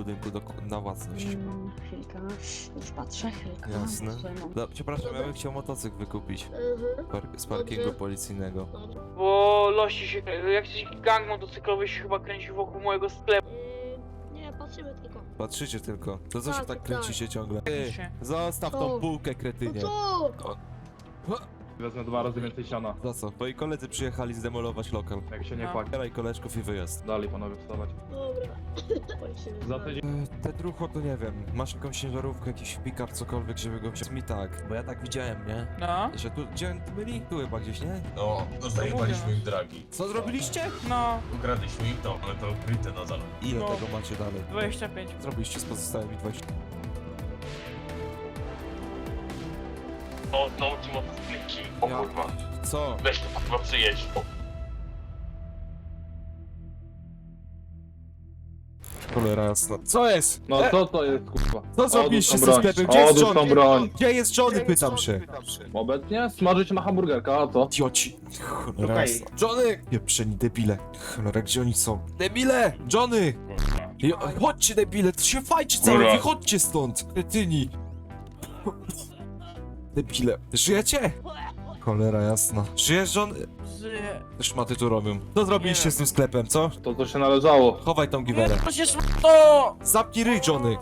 budynku na własność. Chwilkę, już patrzę, chwilkę. Jasne. Tutaj mam. No, przepraszam, ja bym chciał motocykl wykupić z parkingu policyjnego. Bo losi się, jakiś gang motocyklowy się chyba kręci wokół mojego sklepu. Nie, patrzymy tylko. Patrzycie tylko. To co się Tak, tak tak. kręcicie ciągle? Ty, się. zostaw tą Co? bułkę, No kretynie. co? Wezmę 2 razy więcej siana, Za co? Twoi koledzy przyjechali zdemolować lokal. jak się nie No. płaki. Zabieraj koleżków i wyjazd. Dalej panowie wstawać. Dobra. Patrzymy. Za tydzień. Te drucho to nie wiem. Masz jakąś ciężarówkę, jakiś pick-up, cokolwiek, żeby go wziąć mi tak. Bo ja tak widziałem, nie? No, Że tu, gdzie oni tu byli? Tu chyba gdzieś, nie? No, zajmowaliśmy im dragi. Co zrobiliście? no, Ukradliśmy im to, ale to ukryte nadal. Ile No. tego macie dalej? 25. Zrobiliście z pozostałymi 20. O, no ci motocykliki. O Ja- kurwa. Co? Weź to kurwa przyjedź. O, Cholera jasna. Co jest? No co to jest kurwa? Co zrobiliście Odłóż ze tą broń. sklepem? Gdzie jest Odłóż tą Johnny? broń. Gdzie jest Johnny? Pytam się. Obecnie smażyć na hamburgerka, a co? Idioci. Cholera Okej. jasna. Johnny! Pieprzeni debile. Cholera, gdzie oni są? Debile! Johnny! Chodźcie debile, to się fajcie cały, Dobra. wychodźcie stąd! Kretyni! Debile. Żyjecie? Cholera jasna. Żyjesz, Johnny? Żyję. Te szmaty tu robią. Co zrobiliście Nie. z tym sklepem, co? To co się należało. Chowaj tą giwerę. To się to! Zamknij ryj, Johnny!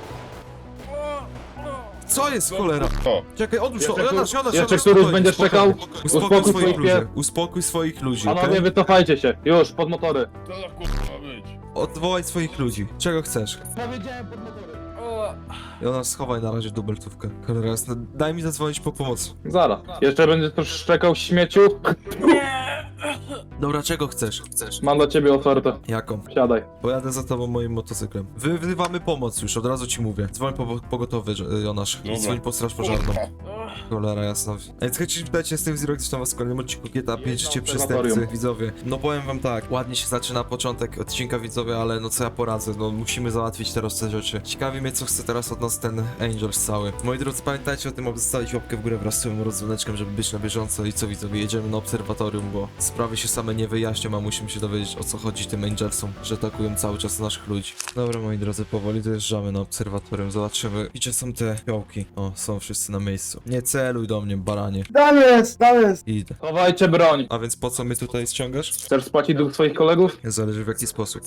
Co jest, cholera? o. Czekaj, odłóż to, Jeszcze Jonasz, Jeszcze któryś spokojnie, będziesz spokojnie. czekał? Uspokój Uspokój swoich swoich ludzi. pies. Uspokój swoich ludzi, Panowie, okej? wycofajcie się. Już, pod motory. Co za kurwa być? Odwołaj swoich ludzi. Czego chcesz? Powiedziałem pod motory. O, Jonasz, schowaj na razie dubeltówkę. Cholera jasna, daj mi zadzwonić po pomoc. Zaraz. Jeszcze będziesz też szczekał śmieciu? nie! Dobra, czego chcesz? Mam dla ciebie ofertę. Jaką? Siadaj. Pojadę za tobą moim motocyklem. Wzywamy pomoc już, od razu ci mówię. Dzwoń po pogotowy, Jonasz. Dobra. Dzwoń po straż pożarną. O, Cholera jasna. A więc chcecie pytać, jestem Zero, witam was w kolejnym odcinku GTA 5 Życie na Przestępcy, obserwatorium. widzowie. No powiem wam tak, ładnie się zaczyna początek odcinka, widzowie, ale no co ja poradzę, no musimy załatwić teraz te rzeczy. Ciekawi mnie, co chce teraz od nas ten Angels cały. Moi drodzy, pamiętajcie o tym, aby zostawić łapkę w górę wraz z swoim rozdzwoneczkiem, żeby być na bieżąco i co, widzowie, jedziemy na obserwatorium, bo sprawy się same nie wyjaśnią, a musimy się dowiedzieć, o co chodzi tym Angelsom, że atakują cały czas naszych ludzi. Dobra, moi drodzy, powoli dojeżdżamy na obserwatorium, zobaczymy, gdzie są te fiołki. O, są wszyscy na miejscu. Nie celuj do mnie, baranie. Tam jest! Idę. Chowajcie broń. A więc po co mnie tutaj ściągasz? Chcesz spłacić dług swoich kolegów? Zależy w jaki sposób.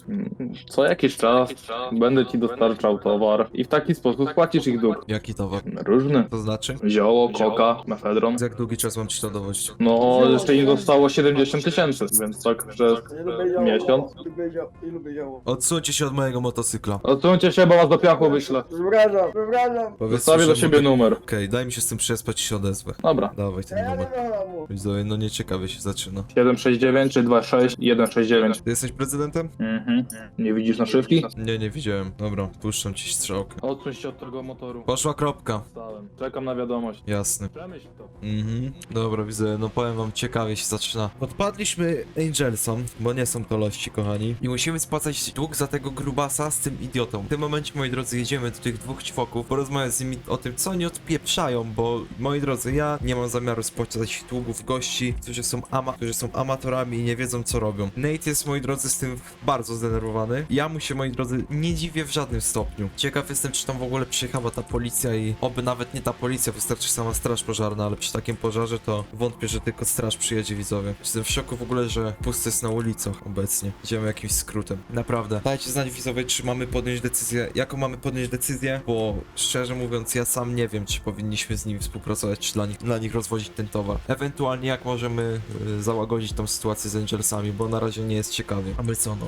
Co jakiś czas będę ci dostarczał towar i w taki sposób spłacisz ich dług. Jaki towar? Różny. To znaczy? Zioło, koka, mefedron. Za jak długi czas mam ci to dowodzić? No, jeszcze im zostało 70 000, więc tak przez miesiąc. Lubię zioło. Odsuńcie się od mojego motocykla. Odsuńcie się, bo was do piachu wyślę. Przepraszam. Zostawię do siebie numer. Okej, daj mi się z tym przespać i się odezwę. Dobra. Dawaj ten Ja nie numer. kocham mu. Widzowie, no nieciekawie się zaczyna. 769 czy 26 169. Ty jesteś prezydentem? Nie widzisz naszywki? Nie widziałem. Dobra, puszczam ci strzałkę. Odsuń się od tego motoru. Poszła kropka. Stałem. Czekam na wiadomość. Jasny. Przemyśl to. Dobra, widzę, no powiem wam, ciekawie się zaczyna. Podpadliśmy Angelsom, bo nie są to lości, kochani. I musimy spłacać dług za tego grubasa z tym idiotą. W tym momencie, moi drodzy, jedziemy do tych dwóch ćwoków, porozmawiać z nimi o tym, co oni odpieprzają, bo, moi drodzy, ja nie mam zamiaru spłacać długów gości, którzy są amatorami i nie wiedzą, co robią. Nate jest, moi drodzy, z tym bardzo zdenerwowany. Ja mu się, moi drodzy, nie dziwię w żadnym stopniu. Ciekaw jestem, czy tam w ogóle przyjechała ta policja i oby nawet nie ta policja, wystarczy sama straż pożarna, ale przy takim pożarze to wątpię, że tylko straż przyjedzie, widzowie. Jestem w szoku w ogóle, że pusty jest na ulicach obecnie. Idziemy jakimś skrótem. Naprawdę. Dajcie znać, widzowie, czy mamy podjąć decyzję, jaką mamy podjąć decyzję, bo szczerze mówiąc, ja sam nie wiem, czy powinniśmy z nimi współpracować, czy dla nich rozwozić ten towar. Ewentualnie jak możemy załagodzić tą sytuację z Angelsami, bo na razie nie jest ciekawie. A my co no?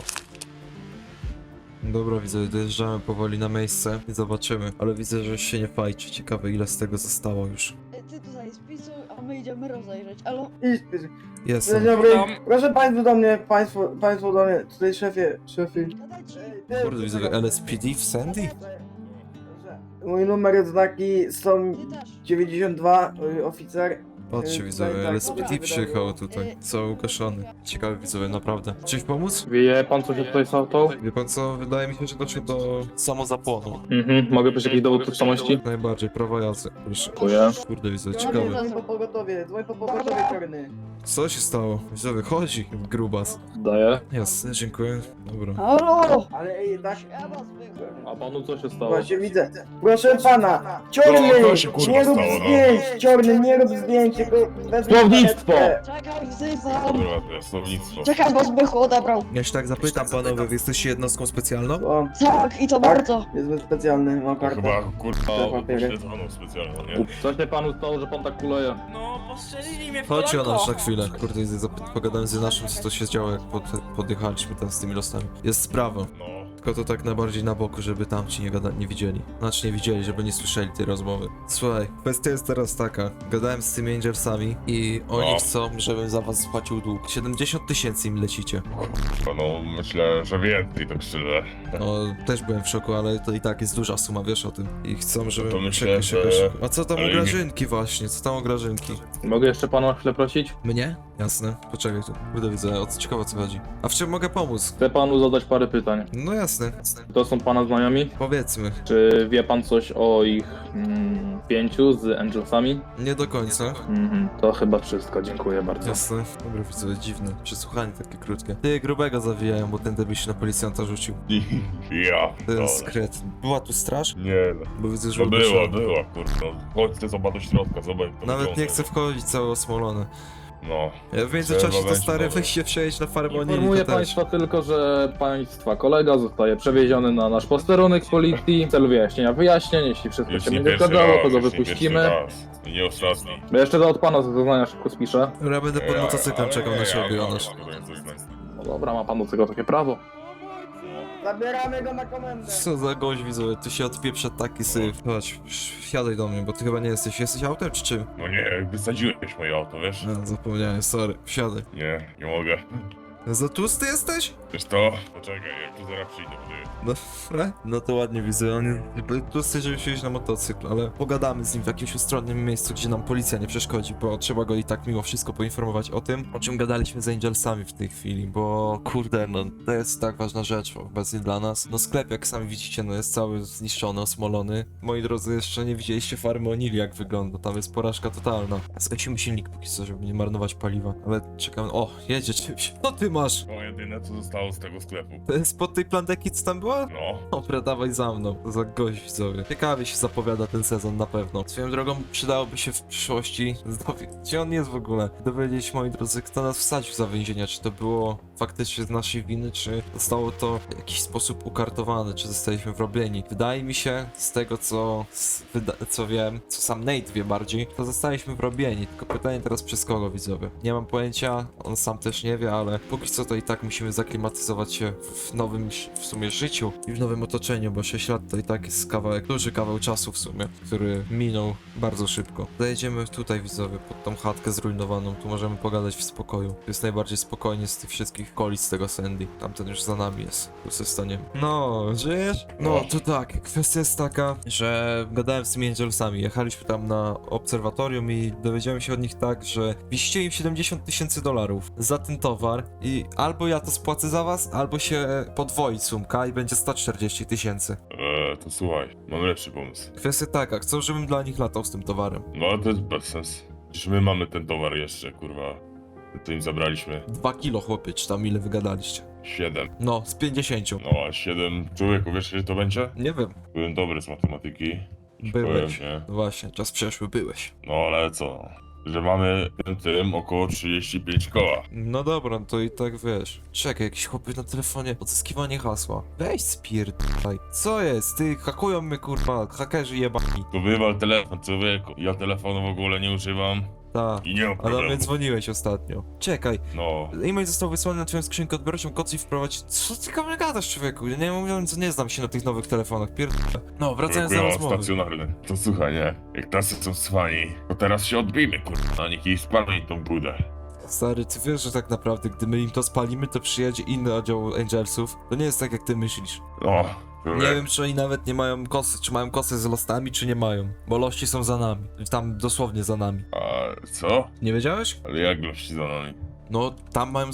Dobra, widzę, dojeżdżamy powoli na miejsce i zobaczymy, ale widzę, że się nie fajczy. Ciekawe, ile z tego zostało już. Ty tutaj spisuj, a my idziemy rozejrzeć. Alo? Idź, idź. Jestem. Dzień dobry. Tam. Proszę państwo do mnie, państwo do mnie. Tutaj szefie. Gadajcie. Kurde, widzę, LSPD w Sandy? Mój numer znaki są Ty też. 92, oficer. Patrzcie widzowie, ale Speedy przyjechał tutaj, cały ugaszony. Ciekawy widzowie, naprawdę. Czymś pomóc? Wie pan, co się tutaj z auto? Wie pan co, wydaje mi się, że doszło do samozapłonu. Mogę być jakiś dowód tożsamości? Najbardziej, prawo jazdy, proszę. Dziękuję. Kurde widzowie, Ciągnie, ciekawe. dzwoń po pogotowie, czarny. Co się stało? Widzowie, chodzi, grubas. Daję. Jasne, dziękuję. Dobra. Halo! Ale ej, tak, Ja was wychowam. A panu co się stało? właśnie widzę. Proszę pana, czarny, No, to się, kurwa, nie rób stało, no. zdjęć, czarny, nie rób zdjęć, tylko wezmę Słownictwo! karetkę. Czekaj, Zyzam! Kurwa, to jest słownictwo. Czekaj, bo Zbychu odebrał. Ja się tak zapytam panowie, wy jesteście jednostką specjalną? O, Tak, i to bardzo. jest specjalny, mam To kartę. chyba, kurwa, Te papiery. pośledzoną specjalną, nie? Co się panu stało, że pan tak kuleje? No, postrzelili mnie w Chodź o kolano. nas na chwilę. Kurde, pogadałem z naszym, co to się działo, jak podjechaliśmy tam z tymi losami. Jest sprawa. No. Tylko to tak najbardziej na boku, żeby tamci nie widzieli. Znaczy nie widzieli, żeby nie słyszeli tej rozmowy. Słuchaj, kwestia jest teraz taka. Gadałem z tymi Angelsami i oni No. chcą, żebym za was spłacił dług. 70 000 im lecicie. No, myślę, że więcej, tak szczerze. No, też byłem w szoku, ale to i tak jest duża suma, wiesz o tym. I chcą, żebym... to myślę, czekaj, że- czekaj. A co tam ale o nie- Grażynki właśnie? Co tam o Grażynki? Mogę jeszcze pana na chwilę prosić? Mnie? Jasne. Poczekaj tu. Będę widzę, ciekawe o co chodzi. A w czym mogę pomóc? Chcę panu zadać parę pytań. No jasne. To są pana znajomi? Powiedzmy. Czy wie pan coś o ich 5 z Angelsami? Nie do końca. To chyba wszystko, dziękuję bardzo. Jasne. Dobra, widzę, dziwne. Przesłuchanie takie krótkie. Ty grubego zawijają, bo ten debil się na policjanta rzucił. Ja, Ten dobra. skret. Była tu straż? Nie, no. Bo widzę, że No uderzyła. była, kurwa. No, chodź ty zobacz do środka, zobacz. to Nawet wygląda. nie chcę wchodzić, całe osmolone. No. Ja w międzyczasie Trzeba to będzie stary nowe. weź się przejeść na farę, bo oni Informuję to też. państwa tylko, że państwa kolega zostaje przewieziony na nasz posterunek policji w celu wyjaśnienia wyjaśnień. Jeśli wszystko Już się nie będzie pierwszy zgadzało, raz, to go już nie wypuścimy. pierwszy raz. I nie ostatni. Bo jeszcze od pana zeznania szybko spiszę. Ja będę pod motocyklem czekał na ciebie, Jonasz. No dobra, ma pan do tego takie prawo. Zabieramy go na komendę. Co za gość widzowie, tu się odpieprza taki syf. Chodź, wsiadaj do mnie, bo ty chyba nie jesteś. Jesteś autem czy czym? No nie, wysadziłeś moje auto, wiesz? No, zapomniałem, sorry. Wsiadaj. Nie mogę. Za tłusty jesteś? Wiesz to? Poczekaj, jak tu zaraz przyjdę, ty. Dobra. No to ładnie widzę, on jest tłusty, żeby wsiąść na motocykl, ale pogadamy z nim w jakimś ustronnym miejscu, gdzie nam policja nie przeszkodzi, bo trzeba go i tak mimo wszystko poinformować o tym, o czym gadaliśmy z Angelsami w tej chwili, bo kurde, no to jest tak ważna rzecz obecnie dla nas. No sklep, jak sami widzicie, no jest cały zniszczony, osmolony. Moi drodzy, jeszcze nie widzieliście farmy Onili, jak wygląda, tam jest porażka totalna. Zgasimy silnik póki co, żeby nie marnować paliwa, ale czekam, o, jedzie czymś. Co ty masz? To jedyne, co zostało z tego sklepu. To jest spod tej plandeki, co tam była? No. Dobra, dawaj za mną. To za gość widzowie. Ciekawie się zapowiada ten sezon na pewno. Swoją drogą przydałoby się w przyszłości gdzie on jest w ogóle? Dowiedzieć, moi drodzy, kto nas wsadził za więzienia. Czy to było faktycznie z naszej winy, czy zostało to w jakiś sposób ukartowane, czy zostaliśmy wrobieni. Wydaje mi się, z tego co wiem, co sam Nate wie bardziej, to zostaliśmy wrobieni. Tylko pytanie teraz przez kogo widzowie? Nie mam pojęcia, on sam też nie wie, ale póki co to i tak musimy zaklimatyzować się w nowym w sumie życiu i w nowym otoczeniu, bo 6 lat to i tak jest kawałek, duży kawał czasu w sumie, który minął bardzo szybko. Zajedziemy tutaj widzowie, pod tą chatkę zrujnowaną, tu możemy pogadać w spokoju. Tu jest najbardziej spokojnie z tych wszystkich okolic tego Sandy. Tamten już za nami jest, tu sobie staniemy. No, żyjesz? No, to tak, kwestia jest taka, że gadałem z tymi Angelsami, jechaliśmy tam na obserwatorium i dowiedziałem się od nich tak, że wisicie im 70 000 $ za ten towar i albo ja to spłacę za was, albo się podwoi sumka i będzie 140 000. To słuchaj, mam lepszy pomysł. Kwestia taka, chcą, żebym dla nich latał z tym towarem. No ale to jest bez sens. Przecież my mamy ten towar jeszcze, kurwa. To im zabraliśmy 2 kilo chłopie, czy tam ile wygadaliście? 7. No, z 50. No a 7 człowieku, wiesz ile to będzie? Nie wiem, Byłem dobry z matematyki. Ci byłeś. powiem, nie? No właśnie, czas przeszły, byłeś. No ale co? Że mamy tym około 35 koła. No dobra, no to i tak wiesz. Czekaj, jakiś chłopy na telefonie, odzyskiwanie hasła. Weź spierdaj. Co jest? Ty, hakują mnie kurwa, hakerzy jebani. To wywal telefon, człowieku. Ja telefonu w ogóle nie używam Ta. i nie mam Ale do problemu. mnie dzwoniłeś ostatnio. Czekaj, No. e-mail został wysłany na twoją skrzynkę odbiorczą, kod i wprowadź. Co ty kamerę gadasz, człowieku? Ja nie mówiąc, nie znam się na tych nowych telefonach, No, wracając do Ja mam rozmowy. stacjonarny. To słuchaj, nie? Jak tacy są cwani, to teraz się odbijmy, kurwa, na nich i spalmy tą budę. Stary, ty wiesz, że tak naprawdę, gdy my im to spalimy, to przyjedzie inny oddział Angelsów. To nie jest tak, jak ty myślisz. No, Nie wiem, czy oni nawet nie mają kosy, czy mają kosy z lostami, czy nie mają. Bo lości są za nami. Tam dosłownie za nami. A co? Nie wiedziałeś? Ale jak gości za nami? No, tam mają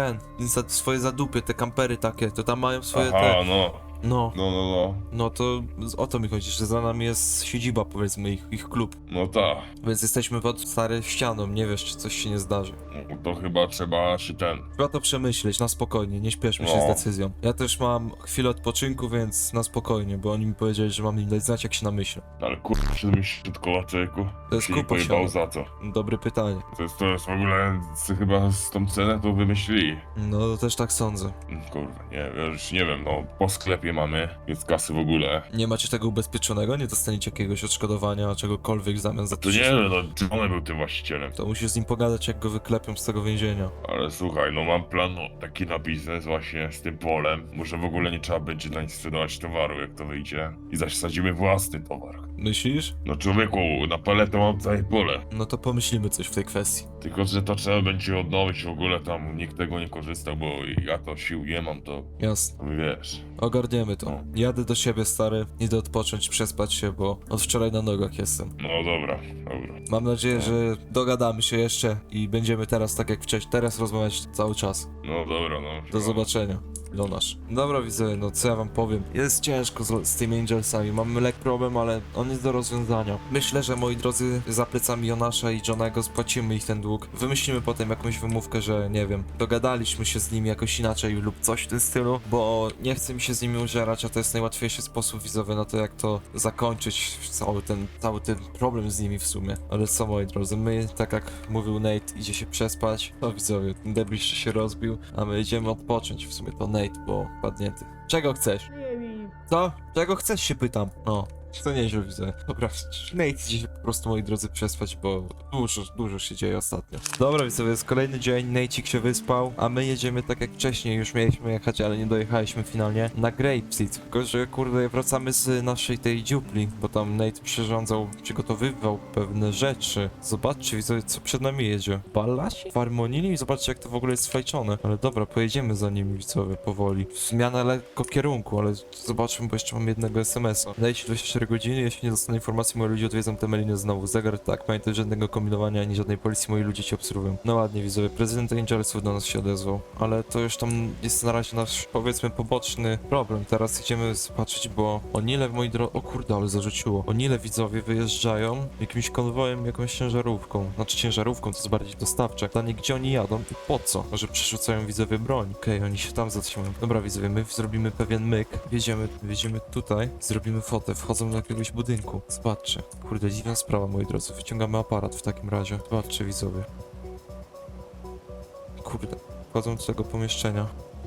swoje zadupy, te kampery takie, to tam mają swoje Aha, te... no. No, No. no to o to mi chodzi, że za nami jest siedziba, powiedzmy, ich klub. No tak. Więc jesteśmy pod starą ścianą, nie wiesz, czy coś się nie zdarzy. No to chyba trzeba się Trzeba to przemyśleć, na spokojnie, nie śpieszmy się No. z decyzją. Ja też mam chwilę odpoczynku, więc na spokojnie, bo oni mi powiedzieli, że mam im dać znać, jak się namyślę. Ale kurwa, się myślisz od koła człowieku? To jest Się nie kupa pojebało siana. za co? Dobre pytanie. To jest w ogóle, chyba z tą cenę to wymyślili. No, też tak sądzę. Kurwa, nie, ja już nie wiem, no po sklepie mamy, jest kasy w ogóle. Nie macie tego ubezpieczonego? Nie dostaniecie jakiegoś odszkodowania, czegokolwiek w zamian za To nie wiem, no czy on był tym właścicielem. To musisz z nim pogadać, jak go wyklepią z tego więzienia. Ale słuchaj, no mam plan taki na biznes właśnie z tym polem. Może w ogóle nie trzeba będzie dla nich sprzedawać towaru, jak to wyjdzie. I zasadzimy własny towar. Myślisz? No człowieku, na paletę mam całe pole. No to pomyślimy coś w tej kwestii. Tylko, że to trzeba będzie odnowić w ogóle tam, nikt tego nie korzystał, bo ja to sił nie mam, to Jasne. wiesz. Ogarniemy to. No. Jadę do siebie, stary. Idę odpocząć, przespać się, bo od wczoraj na nogach jestem. No dobra. Mam nadzieję, że dogadamy się jeszcze i będziemy teraz tak jak wcześniej. Teraz rozmawiać cały czas. No dobra, no. Do zobaczenia. Jonasz. Dobra, widzę, no co ja wam powiem. Jest ciężko z tymi Angelsami. Mamy lekki problem, ale on jest do rozwiązania. Myślę, że moi drodzy, za plecami Jonasza i Johnego spłacimy ich ten dług. Wymyślimy potem jakąś wymówkę, że nie wiem, dogadaliśmy się z nimi jakoś inaczej lub coś w tym stylu, bo nie chcę mi się z nimi użerać, a to jest najłatwiejszy sposób widzowy na to, jak to zakończyć cały ten problem z nimi w sumie. Ale co, moi drodzy, my, tak jak mówił Nate, idzie się przespać. To widzowie, ten debil jeszcze się rozbił, a my idziemy odpocząć. W sumie to Nate, bo padnięty. Czego chcesz? Co? Czego chcesz, się pytam. No. To nieźle widzę. Dobra, Nate idzie się po prostu, moi drodzy, przespać, bo dużo się dzieje ostatnio. Dobra, widzowie, jest kolejny dzień, Nate'ik się wyspał, a my jedziemy tak jak wcześniej, już mieliśmy jechać, ale nie dojechaliśmy finalnie, na Grapeseed. Tylko, że kurde, wracamy z naszej tej dziupli, bo tam Nate przygotowywał pewne rzeczy. Zobaczcie, widzowie, co przed nami jedzie. Ballasi? Farmonili? Zobaczcie, jak to w ogóle jest sfajczone. Ale dobra, pojedziemy za nimi, widzowie, powoli. Zmiana lekko kierunku, ale zobaczmy, bo jeszcze mam jednego SMS-a. Dajcie 24 godziny, jeśli nie dostanę informacji, moi ludzie odwiedzą te meliny znowu. Zegar, tak, pamiętaj, żadnego kombinowania ani żadnej policji, moi ludzie cię obserwują. No ładnie, widzowie, prezydent Angelsów do nas się odezwał, ale to już tam jest na razie nasz, powiedzmy, poboczny problem. Teraz idziemy zobaczyć, bo Onile, moi drodzy, o kurde, ale zarzuciło. Onile, widzowie, wyjeżdżają jakimś konwojem, jakąś ciężarówką. Znaczy ciężarówką, to jest bardziej dostawcze. Pytanie, gdzie oni jadą i po co? Może przerzucają, widzowie, broń. Okej, oni się tam zatrzymują. Dobra, widzowie, my zrobimy pewien myk. Wjedziemy tutaj, zrobimy fotę, wchodzą do jakiegoś budynku. Zobaczcie. Kurde, dziwna sprawa, moi drodzy. Wyciągamy aparat w takim razie. Zobaczcie, widzowie. Kurde, wchodzą do tego pomieszczenia.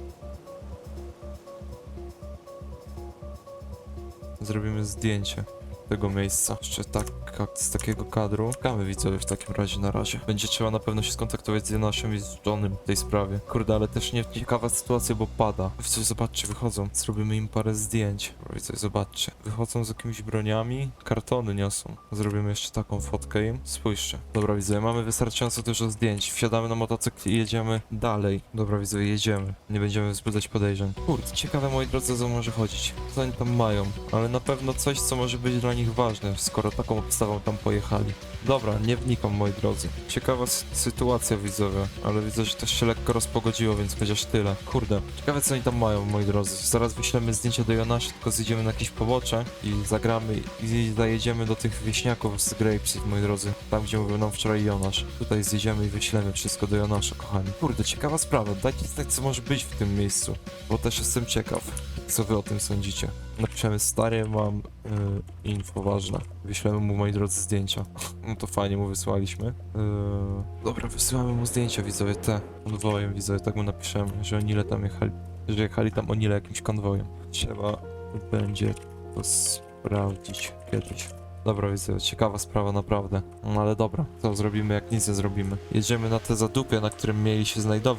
Zrobimy zdjęcie tego miejsca. Jeszcze tak, z takiego kadru. Czekamy, widzowie, w takim razie na razie. Będzie trzeba na pewno się skontaktować z Jonaszem i z Johnem w tej sprawie. Kurde, ale też nie ciekawa sytuacja, bo pada. Coś, zobaczcie, wychodzą. Zrobimy im parę zdjęć. Coś, zobaczcie. Wychodzą z jakimiś broniami. Kartony niosą. Zrobimy jeszcze taką fotkę im. Spójrzcie. Dobra, widzowie, mamy wystarczająco dużo zdjęć. Wsiadamy na motocykl i jedziemy dalej. Dobra, widzowie, jedziemy. Nie będziemy wzbudzać podejrzeń. Kurde, ciekawe, moi drodzy, o co może chodzić. Co oni tam mają? Ale na pewno coś, co może być dla nich ważne, skoro taką obstawą tam pojechali. Dobra, nie wnikam, moi drodzy. Ciekawa sytuacja, widzowie, ale widzę, że też się lekko rozpogodziło, więc chociaż tyle. Kurde, ciekawe, co oni tam mają, moi drodzy. Zaraz wyślemy zdjęcie do Jonasza, tylko zjedziemy na jakieś pobocze i zagramy i zajedziemy do tych wieśniaków z Grapeseed, moi drodzy. Tam, gdzie mówił nam wczoraj Jonasz. Tutaj zjedziemy i wyślemy wszystko do Jonasza, kochani. Kurde, ciekawa sprawa. Dajcie znać, co może być w tym miejscu, bo też jestem ciekaw, co wy o tym sądzicie. Napiszemy, stary, mam info ważne. Wyślemy mu, moi drodzy, zdjęcia. No to fajnie mu wysłaliśmy. Dobra, wysyłamy mu zdjęcia, widzowie, te konwojem, widzowie, tak mu napiszemy, że oni ile tam jechali, że jechali tam oni ile jakimś konwojem. Trzeba będzie to sprawdzić kiedyś. Dobra, widzowie, ciekawa sprawa, naprawdę. No ale dobra, to zrobimy, jak nic nie zrobimy. Jedziemy na te zadupie, na którym mieli się znajdować.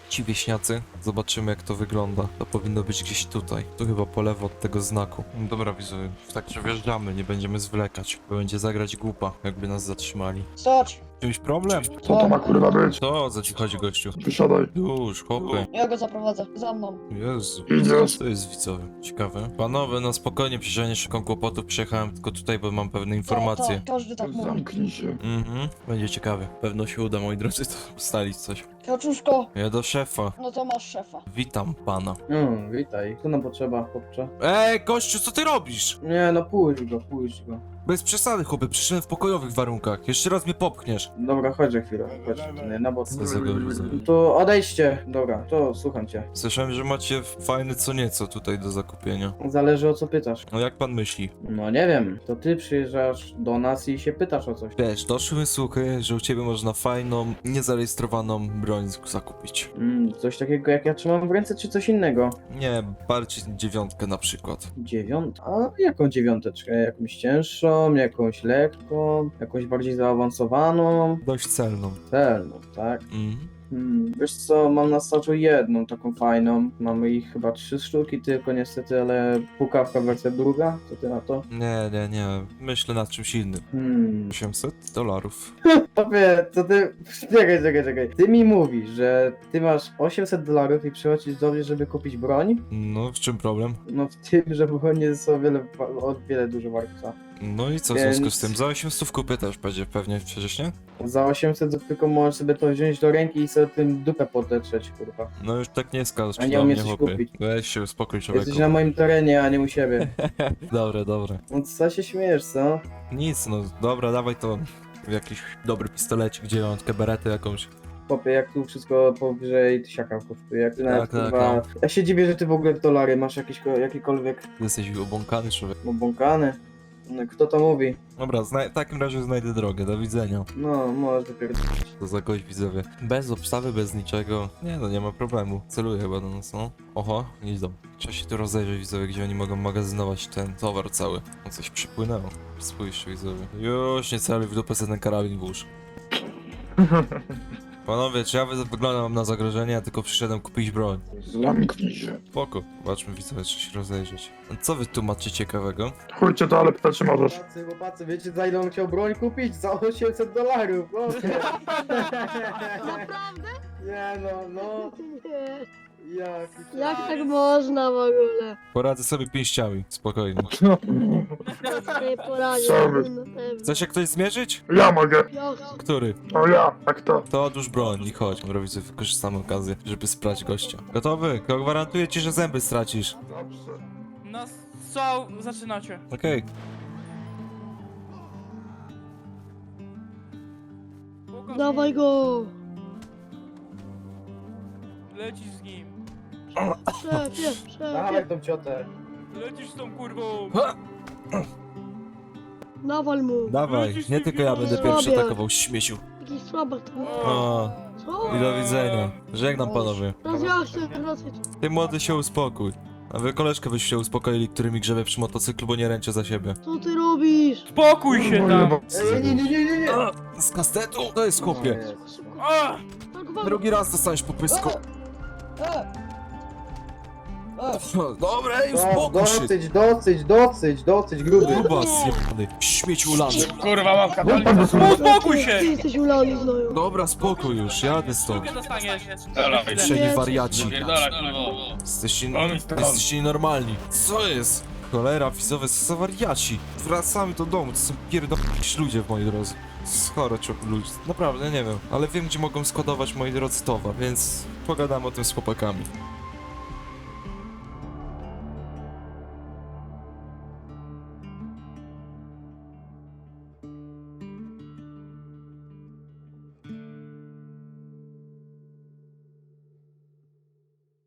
Ci wieśniacy, zobaczymy jak to wygląda. To powinno być gdzieś tutaj. Tu chyba po lewo od tego znaku. Dobra widzowie, tak że wjeżdżamy, nie będziemy zwlekać. Bo będzie zagrać głupa, jakby nas zatrzymali. Stać. Czymś problem? Co to ma kurwa być? Co za ci chodzi gościu? Wysiadaj. Już, chłopie. Ja go zaprowadzę. Za mną. Jezu, Idziesz. to jest widzowie. Ciekawe. Panowie, no spokojnie, przecież ja nie szukam kłopotów, przyjechałem tylko tutaj, bo mam pewne informacje. Tak, każdy tak mówi. Zamknij się. Będzie ciekawe. Pewno się uda, moi drodzy, to ustalić coś. Kaczuszko, Ja do szefa. no to masz szefa. Witam pana. Witaj. Co nam potrzeba, chłopcze? Gościu, co ty robisz? Nie, no pójdź go. Bez przesady, chłopie, przyszedłem w pokojowych warunkach. Jeszcze raz mnie popchniesz. Dobra, chodź za chwilę. Chodź, nie, na bok. Co za gość. To odejdźcie. Dobra, to słucham cię. Słyszałem, że macie fajne co nieco tutaj do zakupienia. Zależy o co pytasz. No jak pan myśli? No nie wiem, to ty przyjeżdżasz do nas i się pytasz o coś. Wiesz, doszły słuchy, że u ciebie można fajną, niezarejestrowaną broń zakupić. Coś takiego jak ja trzymam w ręce, czy coś innego? Nie, bardziej 9 na przykład. 9? A jaką 9? Jakąś cięższą, jakąś lekką, jakąś bardziej zaawansowaną? Dość celną. Celną, tak? Mhm. Wiesz co, mam na staczu jedną taką fajną. Mamy ich chyba 3 sztuki tylko niestety, ale pukawka wersja druga. Co ty na to? Nie. Myślę nad czymś innym. $800. Tobie, to ty... Czekaj. Ty mi mówisz, że ty masz $800 i przychodzisz do mnie, żeby kupić broń? No, w czym problem? No w tym, że broń są o wiele dużo warta. No i co w Więc- związku z tym? Za 800 kupię też będzie pewnie przecież, nie? Za 800 to tylko możesz sobie to wziąć do ręki i sobie tym dupę podetrzeć, kurwa. No już tak nie skacz A nie do umiesz mnie, coś chłopie. kupić. Weź się, uspokój człowieku. Jesteś na moim terenie, a nie u siebie. Dobre. No co się śmiejesz, co? Nic, no dobra, dawaj to w jakiś dobry pistolecik, 9, beretę jakąś. Popie, jak tu wszystko powyżej tysiaka kosztuje, jak ty nawet tak, kurwa... Ja się dziwię, że ty w ogóle w dolary masz jakikolwiek Ty jesteś obłąkany człowiek. obłąkany. No, kto to mówi? Dobra, w takim razie znajdę drogę, do widzenia. No, możesz dopiero... To za gość widzowie. Bez obstawy, bez niczego. Nie no, nie ma problemu. Celuję chyba do nas, no. Oho, idą. Trzeba się tu rozejrzeć widzowie, gdzie oni mogą magazynować ten towar cały. No coś przypłynęło. Spójrzcie widzowie. Już nie celuj w dupę, sobie ten karabin włóż. Panowie, czy ja wyglądam na zagrożenie, a tylko przyszedłem kupić broń? Zamknij się. Spoko. Zobaczmy widzowie, czy się rozejrzeć. A co wy tu macie ciekawego? Chujcie to, ale pytać czy możesz. Chłopacy, wiecie za ile on chciał broń kupić? Za $800. Naprawdę? Nie no. Nie. Jak tak można w ogóle? Poradzę sobie pięściami, spokojnie. Nie poradzisz. Chce się ktoś zmierzyć? Ja mogę. Ja Który? O ja, tak to. To odłóż broń i chodź. Dobra widzę, wykorzystamy okazję, żeby sprać gościa. Gotowy? Gwarantuję ci, że zęby stracisz. Dobrze. No co zaczynacie? Okej. Dawaj go! Lecisz z nim. Szefie! Dawaj tą ciotę. Lecisz z tą kurwą. Nawal mu! Dawaj, nie tylko ja będę pierwszy atakował śmieciu. Jakiś słabak tam. O, Co? i do widzenia. Żegnam panowie. Rozjaśnię. Ty młody się uspokój. A wy koleżkę byście się uspokoili, który mi grzebie przy motocyklu, bo nie ręczę za siebie. Co ty robisz? Spokój się tam. Nie. Z kastetu? To jest chłopie. A! Tak wam... Drugi raz dostaniesz po pysku. Dobra, ej, uspokój się. Dosyć, gruby. Grubas jebany, śmieć ulany. Kurwa mam katalogę. Uspokój się! Ty jesteś ulany znowu. Dobra, spokój już, jadę stąd. Nie dostaniesz. Pieprzeni wariaci. Pierdolę, kurwa. Jesteście nienormalni. Co jest? Cholera, widzowie, co za wariaci. Wracamy do domu, to są pierdolni ludzie w mojej drodze. Schore ludzie, naprawdę nie wiem. Ale wiem, gdzie mogą składować moi drodzy towar, więc pogadamy o tym z chłopakami.